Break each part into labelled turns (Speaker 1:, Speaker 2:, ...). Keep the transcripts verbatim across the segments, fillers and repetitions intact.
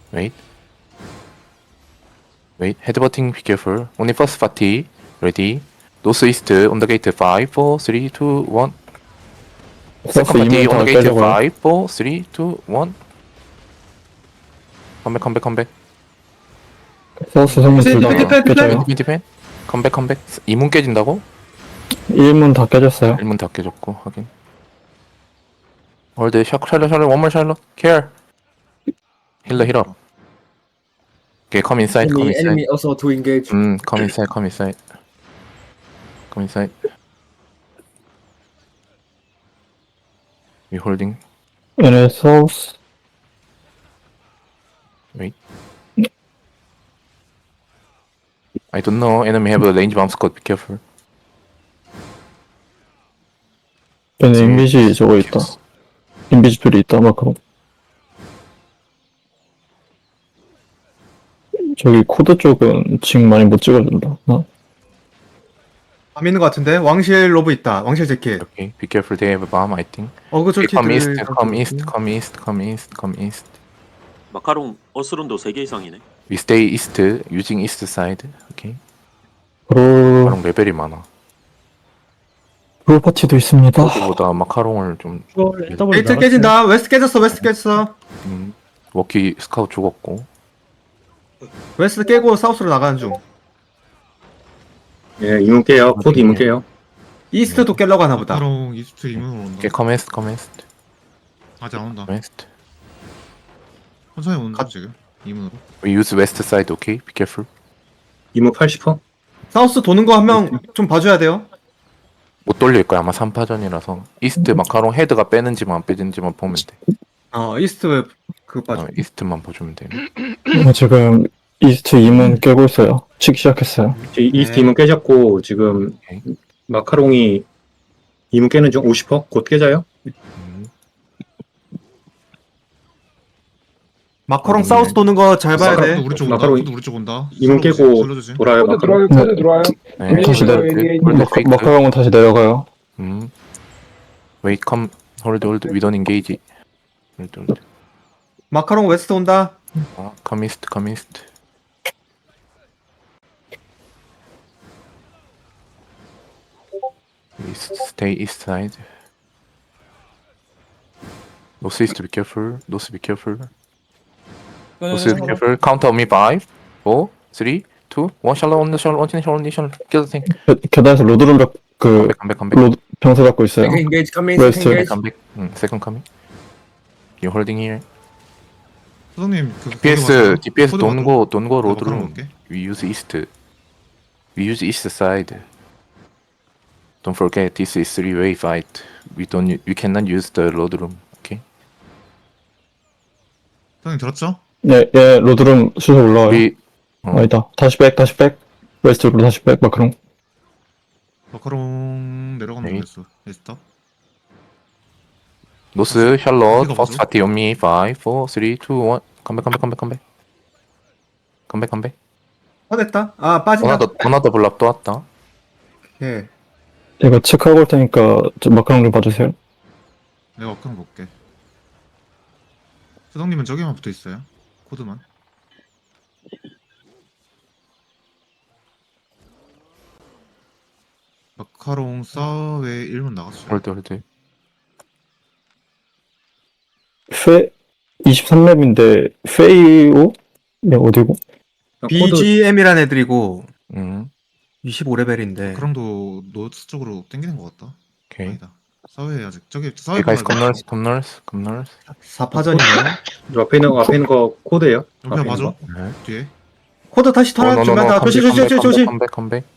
Speaker 1: Wait. Wait. Headbutting, be careful. Only first party. Ready. Northeast on the gate. five, four, three, two, one.
Speaker 2: 사우스
Speaker 1: Second party
Speaker 2: 이문
Speaker 1: on
Speaker 2: 다
Speaker 1: the gate.
Speaker 2: 깨져가요.
Speaker 1: five, four, three, two, one. 컴백, 컴백, 컴백.
Speaker 2: 사우스 성문
Speaker 3: 디펜,
Speaker 2: 둘다
Speaker 3: 디펜, 디펜,
Speaker 2: 깨져요.
Speaker 1: 디펜, 디펜. 컴백, 컴백. 이문 깨진다고?
Speaker 2: 일문 다 깨졌어요.
Speaker 1: 일문 다 깨졌고, 확인. 월드, 샤, 샬럿, 샬럿, 원몰 샬럿. Care. 힐러, 힐러. Okay, come inside, come
Speaker 3: Enemy,
Speaker 1: inside.
Speaker 3: enemy also to engage.
Speaker 1: 음, come inside, come inside. Come inside. We holding.
Speaker 2: 얘네 사우스
Speaker 1: Wait. I don't know. Enemy have a range bomb squad. Be careful.
Speaker 2: 얘네 인비지 저거 있다. 인비지 둘이 있다. 마크로. 저기 코드 쪽은 지금 많이 못 찍어준다. 어?
Speaker 4: 밤 있는 것 같은데? 왕실 로브 있다. 왕실 재킷.
Speaker 1: Okay. Be careful. They have a bomb. I think.
Speaker 4: 어그
Speaker 1: Okay,
Speaker 4: 솔티들.
Speaker 1: come east. Come east. Come east. Come east. Come east.
Speaker 5: 마카롱 어스론도 세 개 이상이네.
Speaker 1: We stay east. Using east side. Okay.
Speaker 2: 브로
Speaker 1: 마카롱 레벨이 많아.
Speaker 2: 브로 파티도 있습니다.
Speaker 1: 그보다 마카롱을 좀.
Speaker 4: 게이트 깨진다. 웨스트 깨졌어. 웨스트 깨졌어.
Speaker 1: 음, 워키 스카우트 죽었고.
Speaker 4: 웨스트 깨고 사우스로 나가는 중.
Speaker 6: 예, 이문 깨요. 코드 이문 깨요.
Speaker 4: 이스트도 깨려고 하나 보다.
Speaker 7: 마카롱 이스트 이문으로 온다.
Speaker 1: Okay. Come east. Come east.
Speaker 7: 아직 안 온다.
Speaker 1: Come east.
Speaker 7: 천천히 온다
Speaker 4: 가-
Speaker 7: 지금 이문으로.
Speaker 1: We use west side. Okay. Be careful.
Speaker 6: 이문 팔십 퍼센트.
Speaker 4: 사우스 도는 거 한 명 좀 봐줘야 돼요.
Speaker 1: 못 돌릴 거야. 아마 삼 파전이라서. 이스트 마카롱 헤드가 빼는지만 안 빼는지만 보면 돼.
Speaker 4: 어 이스트 그 봐줘.
Speaker 1: 어, 이스트만 보시면 돼.
Speaker 2: 어, 지금 이스트 이문 깨고 있어요. 치기 시작했어요.
Speaker 6: 이스트
Speaker 4: 네.
Speaker 6: 이문 깨졌고 지금
Speaker 1: 오케이.
Speaker 6: 마카롱이 이문 깨는 중 오십 퍼센트 곧 깨져요.
Speaker 1: 음,
Speaker 4: 마커롱 사우스 도는 거 잘 봐야
Speaker 7: 코드
Speaker 4: 돼.
Speaker 7: 우리 쪽 온다.
Speaker 6: 마카롱
Speaker 7: 코드 우리 쪽 온다.
Speaker 6: 이문
Speaker 7: 슬로우
Speaker 6: 깨고
Speaker 7: 슬로우
Speaker 6: 돌아요.
Speaker 8: 코드
Speaker 6: 마카롱.
Speaker 8: 들어와요, 코드 들어와요.
Speaker 1: 네.
Speaker 2: 다시 내려.
Speaker 8: 네.
Speaker 1: 홀드
Speaker 2: 마카,
Speaker 1: 페이크.
Speaker 2: 마카롱은 다시 내려가요.
Speaker 1: 음. Wait, come. Hold, hold. We don't engage. Hold, hold.
Speaker 4: 마커롱 웨스트 온다.
Speaker 1: 아, come east, come east. East, stay east side. North east, be careful. North, be careful. North, be careful. Count on me. Five, four, three, two, one. Shallow on the shallow. On the shallow. On the shallow. Kill the thing.
Speaker 2: 계- 계단에서 로드룸 벽, 그,
Speaker 1: Come back, come back, come back.
Speaker 2: 로드, 병사 잡고 있어요.
Speaker 3: Second engage, come in,
Speaker 2: West.
Speaker 3: second engage.
Speaker 1: Come back. Mm, second coming. You holding here.
Speaker 7: 소장님 그
Speaker 1: 디피에스, 디피에스
Speaker 7: 코드
Speaker 1: 도는
Speaker 7: 봐줘.
Speaker 1: 거, 도는 거
Speaker 7: 마카롱
Speaker 1: 로드룸.
Speaker 7: 볼게.
Speaker 1: We use east. We use east side. Don't forget, this is three-way fight. We don't. u- We cannot use the road room. Okay.
Speaker 7: 소장님 들었죠?
Speaker 2: 예, 예, 로드룸 수소 올라와요.
Speaker 1: We. 어,
Speaker 2: 아니다. 다시 백, 다시 백. 웨스트로 다시 백, 마크롱.
Speaker 7: 마카롱 내려가면
Speaker 1: 네.
Speaker 7: 되겠어. 에스터.
Speaker 1: 노스, 샬롯,
Speaker 7: 어디가
Speaker 1: first
Speaker 7: 뭐죠?
Speaker 1: party on me. Five, four, three, two, one. Come back, come back, come back, come back. Come back, come back.
Speaker 4: 화냈다. 아 빠진다.
Speaker 1: 원하더, 원하더 블랍 또 왔다.
Speaker 4: 예.
Speaker 2: 제가 체크하고 올 테니까 저 마크롱 좀 봐주세요.
Speaker 7: 내가 마카롱 볼게. 소장님은 저기만 붙어 있어요. 코드만. 마카롱 사웨 일 문 나갔어요.
Speaker 1: 홀드, 홀드.
Speaker 2: 페, 이십삼 맵인데, 페이오? 네, 어디고?
Speaker 6: 코드
Speaker 4: 비지엠이란 애들이고
Speaker 1: 음,
Speaker 4: 이십오 레벨인데.
Speaker 7: 마카롱도 노스 쪽으로 당기는 것 같다.
Speaker 1: 오케이.
Speaker 7: 아니다. 사웨 아직 저기 사웨
Speaker 1: Okay, guys, come north, come north, come north.
Speaker 4: 사 파전이네.
Speaker 6: 저 앞에 있는 거 앞에 있는 거 코드예요.
Speaker 7: 여기
Speaker 6: 앞에 있는
Speaker 7: 맞아?
Speaker 6: 거.
Speaker 1: 네.
Speaker 7: 뒤에.
Speaker 4: 코드 다시
Speaker 1: 어,
Speaker 4: 털어
Speaker 1: no, no, no.
Speaker 4: 준비한다.
Speaker 1: Come
Speaker 4: 조심
Speaker 1: back,
Speaker 4: 조심
Speaker 1: come
Speaker 4: 조심
Speaker 1: back,
Speaker 4: 조심.
Speaker 1: come back,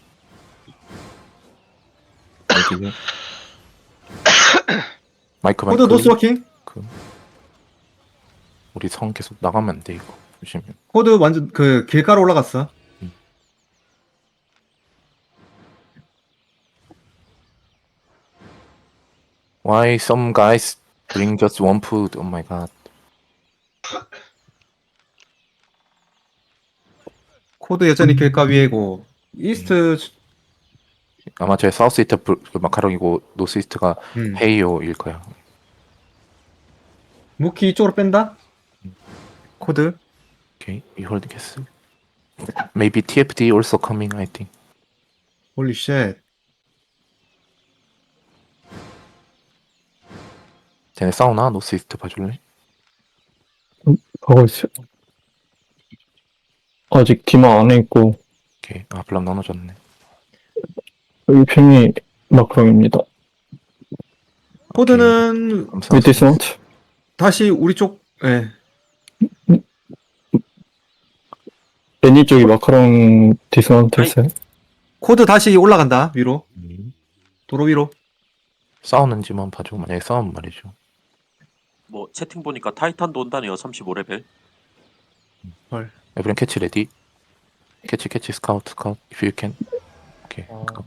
Speaker 1: come back. 어디지? 마이크, 마이크.
Speaker 4: 코드 노스 워킹.
Speaker 1: 우리 성 계속 나가면 안 돼 이거. 조심해.
Speaker 4: 코드 완전 그 길가로 올라갔어.
Speaker 1: Why some guys bring just one food? Oh my god.
Speaker 4: 코드 여전히 길가 위에고 이스트
Speaker 1: 아마 제 사우스 이스트 그 마카롱이고 노스 이스트가
Speaker 4: 음.
Speaker 1: 헤이오일 거야.
Speaker 4: 무키 이쪽으로 뺀다. 코드
Speaker 1: Okay, we hold the castle. Maybe T F D also coming, I think.
Speaker 4: 홀리 쉣.
Speaker 1: 쟤네 싸우나? 노스 이스트 봐줄래?
Speaker 2: 가고 있어요. 아직 디마 안에 있고,
Speaker 1: 오케이. 아, 블랑 나눠졌네.
Speaker 2: 일 팽이 마크롱입니다.
Speaker 4: 코드는
Speaker 1: 감사합니다.
Speaker 2: With dismount.
Speaker 4: 다시 우리 쪽, 예.
Speaker 2: 애니 쪽이 마카롱 디스마운트 했어요.
Speaker 4: 코드 다시 올라간다, 위로.
Speaker 1: 음.
Speaker 4: 도로 위로.
Speaker 1: 싸우는지만 봐줘. 만약에 싸우면 말이죠.
Speaker 5: 뭐 채팅 보니까 타이탄도 온다네요. 삼십오 레벨.
Speaker 1: 에브리언 캐치 레디. 캐치 캐치 스카우트 스카우트. If you can. 오케이.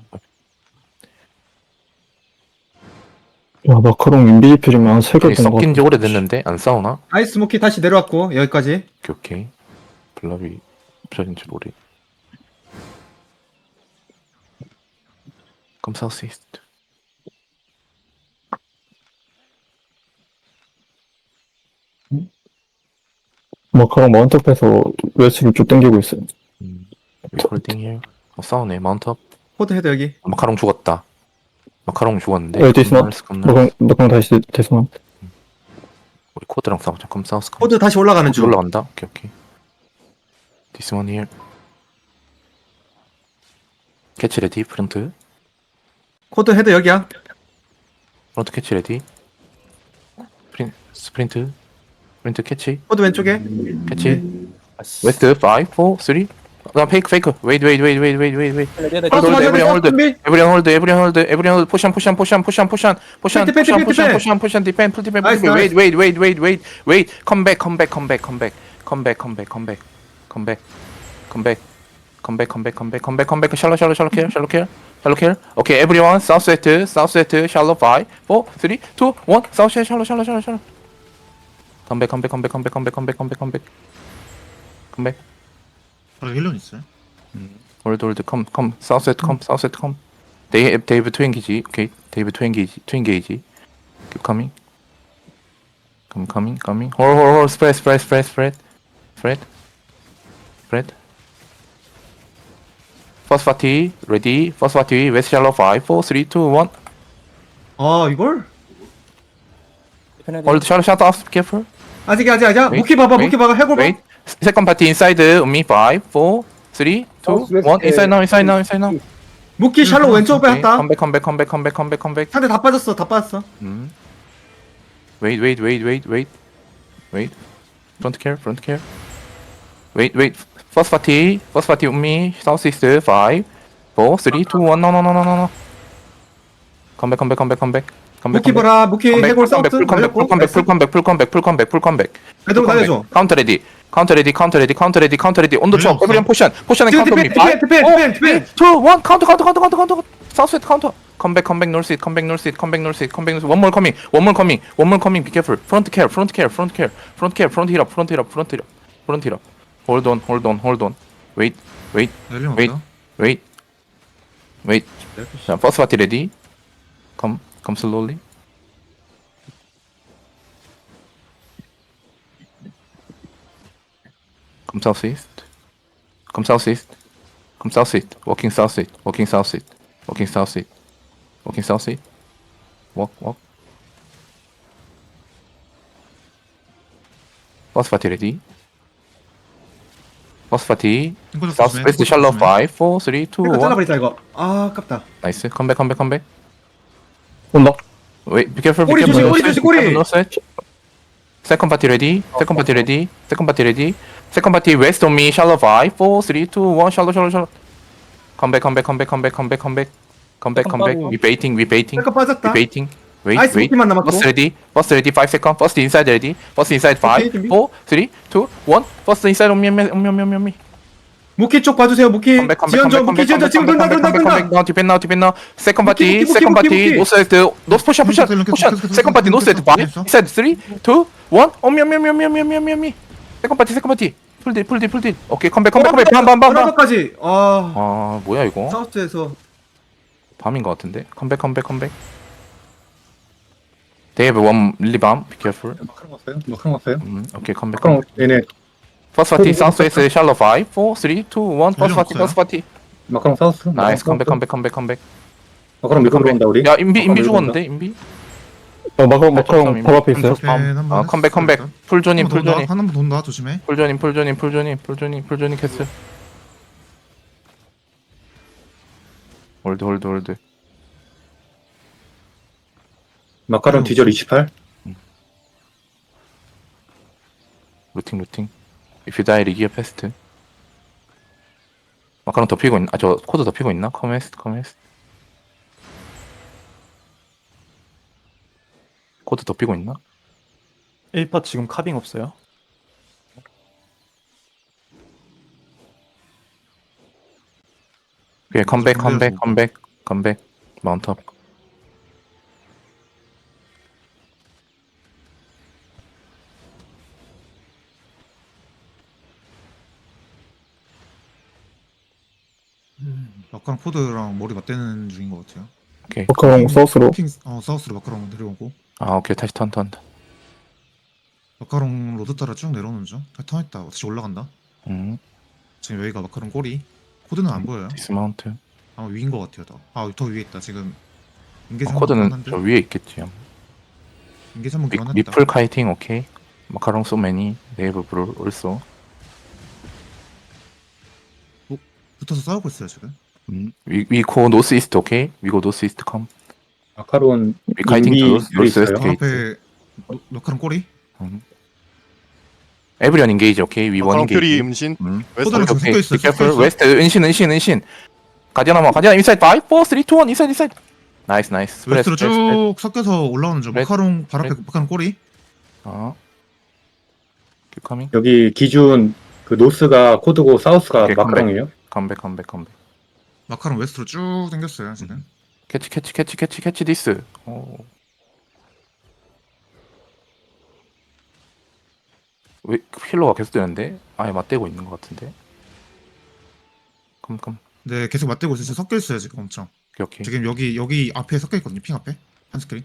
Speaker 2: 와, 마카롱 인비지필이면 세 개
Speaker 1: 오케이.
Speaker 2: 된것
Speaker 1: 섞인 지
Speaker 2: 같아.
Speaker 1: 오래됐는데 안 싸우나?
Speaker 4: 아이스 모키 다시 내려왔고, 여기까지.
Speaker 1: 오케이 오케이. 블랍이 없어진지 모르. 그럼 사우스 이스트.
Speaker 2: 마카롱 마운트업해서 웨스트로 쭉 당기고 있어요.
Speaker 1: 음. 홀딩 힐. 어, 싸우네. 마운트업.
Speaker 4: 코드 헤드 여기.
Speaker 1: 마카롱 죽었다. 마카롱 죽었는데.
Speaker 2: 어, 디스마운트.
Speaker 1: 컴나스, 컴나스.
Speaker 2: 마카롱, 마카롱 다시 디스마운트.
Speaker 1: 우리 코드랑 싸우자. 컴 사우스. 컴.
Speaker 4: 코드 다시 올라가는
Speaker 1: 코드
Speaker 4: 중.
Speaker 1: 올라간다. 오케이 오케이. This one here. 캐치 레디. 프론트.
Speaker 4: 코드 헤드 여기야.
Speaker 1: 프론트 캐치 레디. 프린 스프린트. 프린트 캐치.
Speaker 4: 코드 왼쪽에.
Speaker 1: 캐치. 웨스트 오, 사, 삼. 나 페이크 페이크. 웨이트 웨이트 웨이트 웨이트 웨이트 웨이트 웨이트.
Speaker 4: 파스
Speaker 1: 홀드,
Speaker 4: 맞아야
Speaker 1: 에브리언 홀드.
Speaker 4: 준비.
Speaker 1: 에브리언 홀드. 에브리언 홀드. 에브리언 홀드. 포션 포션 포션 포션 포션 포션
Speaker 4: 펜트, 펜트,
Speaker 1: 포션
Speaker 4: 펜트,
Speaker 1: 포션
Speaker 4: 펜트.
Speaker 1: 포션 포션 디펜 풀 디펜 풀
Speaker 4: 나이스,
Speaker 1: 디펜.
Speaker 4: 나이스.
Speaker 1: 웨이트 웨이트 웨이트 웨이트 웨이트. 컴백 컴백 컴백 컴백 컴백 컴백 컴백 컴백 컴백 컴백 컴백 컴백 컴백 컴백 샬롯 샬롯 샬롯 킬 샬롯 킬 샬롯 킬. 오케이 에브리원 사우스 세트 사우스 세트 샬롯 오, 사, 삼, 이, 일 사우스 샬롯 샬롯 샬롯 샬롯. 컴백 컴백 컴백 컴백 컴백 컴백 컴백 컴백 컴백.
Speaker 7: 바로 힐런 있어요?
Speaker 1: 홀드 홀드 컴 컴 사우스 세트 컴 사우스 세트 컴. 데이 데이브 투 엔기지. 오케이 데이브 투 엔기지 투 엔게이지. Keep coming. Come coming coming. 홀 홀 홀 스프레드 스프레드 스프레드 스프레드 스프레드 스프레드. First party ready. First party West Shallow five, four, three, two, one.
Speaker 4: 아, 이걸?
Speaker 1: Hold shallow shut off. Careful.
Speaker 4: 아직, 아직, 아직.
Speaker 1: Wait,
Speaker 4: 모키 봐봐,
Speaker 1: wait,
Speaker 4: 모키 봐봐. 해골 봐.
Speaker 1: Wait. Second party inside on me. Five, four, three, two, one. Inside now. Inside now. Inside now.
Speaker 4: 모키 샬로 왼쪽
Speaker 1: Okay.
Speaker 4: 빼었다.
Speaker 1: Come back. Come back. Come back. Come back. Come back. Come back.
Speaker 4: 상대 다 빠졌어, 다 빠졌어.
Speaker 1: 음. Wait. Wait. Wait. Wait. Wait. Wait. Front care. Front care. Wait. Wait. First party. First party on me. Southeast. Five, four, three, two, one. No. No. No. No. No. No. Come back. Come back. Come back. Come back. Come back.
Speaker 4: 모키
Speaker 1: come back.
Speaker 4: 봐라, 모키
Speaker 1: 컴백,
Speaker 4: 해골
Speaker 1: 컴백,
Speaker 4: 사우스.
Speaker 1: 풀 컴백, 풀 컴백, 풀 컴백, 풀 컴백, 풀 컴백, 풀 컴백, 풀 컴백.
Speaker 4: 애들 날려줘.
Speaker 1: 카운터 레디, 카운터 레디, 카운터 레디, 카운터 레디, 카운터 레디. 온더 쳐.
Speaker 7: 없어.
Speaker 1: 에브리언 포션, 포션에
Speaker 4: 지금
Speaker 1: 카운터 미.
Speaker 4: 디펜, 디펜, 디펜, 디펜, 디펜.
Speaker 1: 투, 원. 카운터, 카운터, 카운터, 카운터, 카운터. 사우스 카운터. 컴백, 컴백, 놀스, 컴백, 놀스, 컴백, 놀스, 컴백, 놀스. 원몰 커밍, 원몰 커밍, 원몰 커밍. 비 케어풀. 프론트 케어, 프론트 케어, 프론트 케어, 프론트 케어, 프론트 힐업, 프론트 힐업, 프론트 힐업, 프론트 힐업. 홀드 온, 홀드 온, 홀드 온. 웨이트, 웨이트,
Speaker 7: 힐런
Speaker 1: Wait.
Speaker 7: 없다?
Speaker 1: 웨이트, 웨이트. 자, 퍼스트 파티 레디. 컴, 컴 슬로울리. Come southeast. Come southeast. Come southeast. Walking southeast. Walking southeast. Walking southeast. Walking southeast. Walk, walk. First party ready. First party.
Speaker 7: 핑크
Speaker 1: Southwest shallow five, four, three, two,
Speaker 4: 이거
Speaker 1: one.
Speaker 4: 잘라버리자, 이거. 아, 아깝다.
Speaker 1: Nice. Come back, come back, come back.
Speaker 2: 온다.
Speaker 1: Wait, be careful, be
Speaker 4: 꼬리
Speaker 1: careful.
Speaker 4: 조심,
Speaker 1: No
Speaker 4: 꼬리
Speaker 1: set,
Speaker 4: 조심, 꼬리.
Speaker 1: be careful, no set. Second party ready. Second party ready. Second party ready. Second party west on me. Shallow five, four, three, two, one. Shallow, shallow, shallow. Come back, come back, come back, come back, come back, come back. Come back, come back. We baiting, we baiting,
Speaker 4: 잠깐
Speaker 1: we
Speaker 4: 빠졌다.
Speaker 1: baiting. Wait,
Speaker 4: 아이스
Speaker 1: wait.
Speaker 4: 모키만 남았고.
Speaker 1: First ready. First ready. Five second. First inside ready. First inside five,
Speaker 4: 준비.
Speaker 1: four, three, two, one. First inside on me, on me, on me, on me, on me.
Speaker 4: 모키 쪽 봐주세요, 모키.
Speaker 1: Come back, come back, come
Speaker 4: 지연저,
Speaker 1: back, come
Speaker 4: 모키
Speaker 1: back,
Speaker 4: 지연저
Speaker 1: come
Speaker 4: 지금
Speaker 1: back,
Speaker 4: 돈다,
Speaker 1: come
Speaker 4: 돈다,
Speaker 1: back, come back,
Speaker 4: 돈다.
Speaker 1: now, depend now, depend now. Second party,
Speaker 4: 무기, 무기,
Speaker 1: second
Speaker 4: 무기,
Speaker 1: party,
Speaker 4: 무기.
Speaker 1: no set, no push, push,
Speaker 7: 계속,
Speaker 1: push,
Speaker 7: 계속, 계속,
Speaker 1: second party, no
Speaker 7: 계속,
Speaker 1: set,
Speaker 7: 계속,
Speaker 1: five,
Speaker 7: 계속.
Speaker 1: inside, three, two, one. Oh, me, me, me, me, me, me, me, me. Second party, second party. Full deal, full deal, full deal. Okay, come back, come back, come back. bam, bam, bam, bam.
Speaker 4: 브라보까지. 아,
Speaker 1: 아, 뭐야 이거?
Speaker 4: 사우스에서.
Speaker 1: 밤인 것 같은데. 컴백, 컴백, 컴백. They have one really bomb. Be careful.
Speaker 6: 마카롱 왔어요? 마카롱 왔어요?
Speaker 1: 음, okay, 컴백.
Speaker 6: 마카롱 얘네
Speaker 1: 퍼스트 파티 사우스 웨스트 샬로 오, 사, 삼, 이, 일 퍼스트 파티
Speaker 7: 없어요?
Speaker 1: 퍼스트 파티
Speaker 6: 마카롱 사우스.
Speaker 1: 나이스 컴백
Speaker 6: 마카롱
Speaker 1: 컴백 컴백 컴백
Speaker 6: 마카롱 밀고 들어온다 우리.
Speaker 1: 야 인비 인비
Speaker 6: 마카롱 밀고
Speaker 1: 죽었는데 인비
Speaker 2: 어, 마카롱, 마카롱 바로 앞에 있어요.
Speaker 1: 컴.
Speaker 7: 네, 한번
Speaker 1: 아 컴백 컴백 풀존인 풀존인
Speaker 7: 한번 돈다 조심해.
Speaker 1: 풀존인 풀존인 풀존인 풀존인 풀존인 캐슬 홀드 홀드 홀드
Speaker 6: 마카롱 디젤 이십팔.
Speaker 1: 루팅 루팅 If you die 리기어 패스트 마카롱 덮이고 있나? 아저 코드 덮이고 있나? 커메스트 커메스트 코드 덮이고 있나?
Speaker 3: 일 파 지금 카빙 없어요?
Speaker 1: 오케이 컴백 컴백
Speaker 7: 준비해서.
Speaker 1: 컴백 컴백 마운트업
Speaker 7: 마카롱 포드랑 머리 맞대는 중인 것 같아요.
Speaker 1: 오케이
Speaker 2: 마카롱 사우스로.
Speaker 7: 핑, 어 사우스로 마카롱 내려오고
Speaker 1: 아 오케이 다시 턴 턴.
Speaker 7: 마카롱 로드 따라 쭉 내려오는 중. 다 턴했다. 다시 올라간다.
Speaker 1: 음
Speaker 7: 지금 여기가 마카롱 꼬리. 코드는 안 보여요.
Speaker 1: 디스마운트
Speaker 7: 아마 위인 것 같아요. 더. 아더 위에 있다. 지금 인계
Speaker 1: 아,
Speaker 7: 상황
Speaker 1: 코드는
Speaker 7: 한데
Speaker 1: 저 위에 있겠지
Speaker 7: 인계 상황
Speaker 1: 리,
Speaker 7: 교환했다.
Speaker 1: 리플 카이팅 오케이 마카롱 소 매니 네이버 브롤 올소
Speaker 7: 붙어서 싸우고 있어요 지금.
Speaker 1: 음 위, 위코 노스 이스트 오케이 위고 노스 이스트 컴
Speaker 6: 마카롱
Speaker 1: 위 카이팅
Speaker 6: 인비
Speaker 1: 투 노스
Speaker 6: 둘이
Speaker 1: 노스 웨스트
Speaker 6: 있어요.
Speaker 1: 게이트
Speaker 7: 앞에 마- 마카롱 꼬리.
Speaker 1: 에브리언 인게이지 오케이 위 원
Speaker 8: 마카롱 퓨리
Speaker 1: 인게이지
Speaker 8: 음신
Speaker 1: 음
Speaker 7: 코드랑 지금
Speaker 1: 오케이
Speaker 7: 섞여 있어요. 섞여
Speaker 1: 디캐플
Speaker 7: 있어.
Speaker 1: 웨스트 은신 은신 은신 가디언 한번 가디언 인사이드 오, 사, 삼, 이, 일 인사이드 인사이드 나이스 나이스 스프레스,
Speaker 7: 웨스트로
Speaker 1: 스프레스, 스프레스.
Speaker 7: 쭉 섞여서 올라오는 중.
Speaker 1: 스프레스.
Speaker 7: 마카롱 발 앞에
Speaker 1: 스프레스.
Speaker 7: 마카롱 꼬리.
Speaker 1: 어 큐커밍
Speaker 6: 여기 기준 그 노스가 코드고 사우스가
Speaker 1: 오케이,
Speaker 6: 마카롱이에요.
Speaker 1: 컴백 컴백 컴백
Speaker 7: 마카롱 웨스트로 쭉 당겼어요 지금.
Speaker 1: 캐치 캐치 캐치 캐치 캐치 디스 오. 왜 힐러가 계속 되는데? 아예 맞대고 있는 것 같은데 컴컴
Speaker 7: 네 계속 맞대고 있어요. 지금 섞여 있어요 지금 엄청.
Speaker 1: 오케이 오케이
Speaker 7: 지금 여기 여기 앞에 섞여 있거든요. 핑 앞에 한 스크린.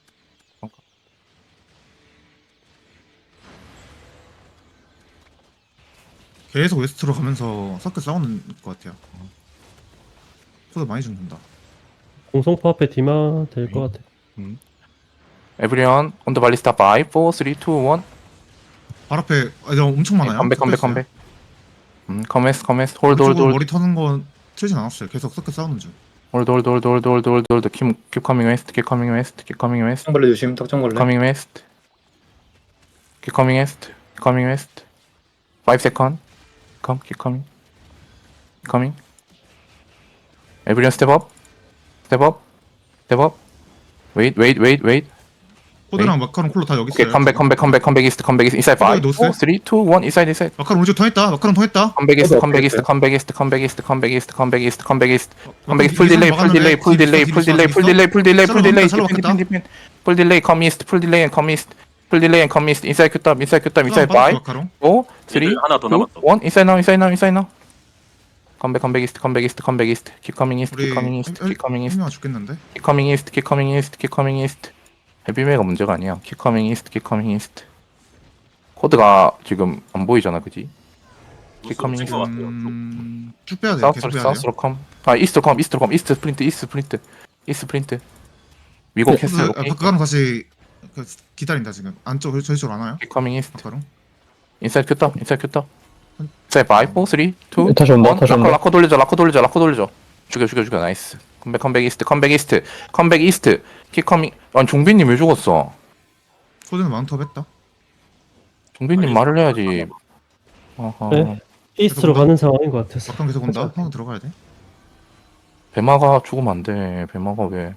Speaker 7: 계속 웨스트로 가면서 섞여 싸우는 것 같아요. 코드 많이 죽는다.
Speaker 9: 공성포 앞에 디마 될 것 같아.
Speaker 1: 에브리언 온더 발리스타 오, 사, 삼, 이, 일
Speaker 7: 발 앞에 아, 이거 엄청 많아요.
Speaker 1: 컴백 컴백
Speaker 7: 섞여 있어요.
Speaker 1: 컴백 음 커메스 커메스 홀드 홀드
Speaker 7: 오른쪽으로
Speaker 1: 홀드
Speaker 7: 머리 터는 건 틀진 않았어요. 계속 섞여 싸우는 중.
Speaker 1: 홀드 홀드 홀드 홀드 홀드 홀드 홀드 킵 킵 커밍 웨스트 킵 커밍 웨스트 킵 커밍 웨스트
Speaker 6: 턱정벌레 조심. 턱정벌레.
Speaker 1: coming west. Keep coming west. Keep coming west. Five second. Come, keep coming. Keep coming. Everyone step up. Step up. Step up. Wait, wait, wait, wait.
Speaker 7: 코드랑 마카롱 콜로 다 여기
Speaker 1: Okay,
Speaker 7: 있어요.
Speaker 1: come back, come back, come back, come back east, come back east. Inside five,
Speaker 7: 노스.
Speaker 1: four, three, two, one. Inside, inside.
Speaker 7: 마카롱 오른쪽 통했다. 마카롱 통했다.
Speaker 1: Come back east,
Speaker 6: 어디
Speaker 1: come back east,
Speaker 6: 어디
Speaker 1: come back east, come back east, come back east, come back east, come back east. Come back east.
Speaker 7: 마카롱
Speaker 1: Full delay,
Speaker 7: 뒤에서
Speaker 1: full delay,
Speaker 7: 막았는데
Speaker 1: full delay,
Speaker 7: 뒤에
Speaker 1: full
Speaker 7: 있어,
Speaker 1: delay,
Speaker 7: 뒤에
Speaker 1: full
Speaker 7: 있어.
Speaker 1: delay, full delay, full delay.
Speaker 7: 샬롯
Speaker 1: Depend,
Speaker 7: 먹겠다.
Speaker 1: depend, depend. Full delay, come east, full delay and come east. Full delay and come east. Inside q top, inside q top, inside five.
Speaker 7: 마카롱.
Speaker 1: four, three,
Speaker 5: 하나 더
Speaker 1: two,
Speaker 5: 남았어.
Speaker 1: one. Inside now, inside now, inside now. Come back, come back east, come back east, come back east. Keep coming east,
Speaker 7: 우리
Speaker 1: keep coming east, keep coming east,
Speaker 7: 명 죽겠는데.
Speaker 1: keep coming east, keep coming east, keep coming east. 헤비메가 문제가 아니야. Keep coming east, keep coming east. 코드가 지금 안 보이잖아, 그지? Keep coming east.
Speaker 5: 것 같아요.
Speaker 7: 음, 쭉 빼야 돼요. 계속
Speaker 1: 사우스로,
Speaker 7: 빼야 돼요.
Speaker 1: 사우스로 컴. 아, 이스트로 컴, 이스트로 컴, 이스트 스프린트, 이스트 스프린트, 이스트 스프린트. 위고
Speaker 7: 코드,
Speaker 1: 캐슬,
Speaker 7: 아,
Speaker 1: 오케이.
Speaker 7: 마카롱 다시 그, 기다린다 지금. 안쪽 저희 쪽으로 안 와요.
Speaker 1: Keep coming east.
Speaker 7: 마카롱.
Speaker 1: 인사이드 큐터, 인사이드 큐터. 인사이드 오, 삼, 이, 일.
Speaker 2: 다시 온다, 다시
Speaker 1: 라커,
Speaker 2: 온다.
Speaker 1: 라커 돌려줘, 라커 돌려줘, 라커 돌려줘. 죽여, 죽여, 죽여. 나이스. 컴백, 컴백 이스트, 컴백 이스트, 컴백 이스트. 킥 커밍. 아니, 종빈님 왜 죽었어?
Speaker 7: 코드는 마운트업 했다.
Speaker 1: 종빈님 말을 해야지. 어허.
Speaker 9: 네. 이스트로 가는 상황인 것 같아서.
Speaker 7: 마카롱 계속 온다. 형 들어가야 돼.
Speaker 1: 배마가 죽으면 안 돼. 배마가 왜?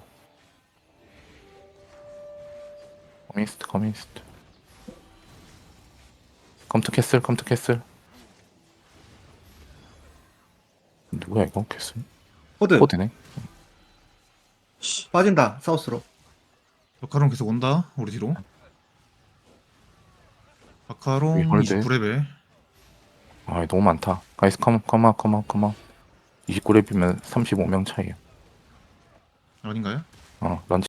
Speaker 1: 커미스트, 커미스트. 컴투 캐슬, 컴투 캐슬. 누구야 이거 캐슬?
Speaker 4: 코드
Speaker 1: 코드네.
Speaker 4: 빠진다. 사우스로.
Speaker 7: 마카롱 계속 온다. 우리 뒤로. 마카롱
Speaker 1: 홀드.
Speaker 7: 이십구 레벨.
Speaker 1: 아 너무 많다. 가이스 컴, 컴온, 컴온, 컴온. 이십구 렙이면 삼십오 명 차이야.
Speaker 7: 아닌가요?
Speaker 1: 어, 런치.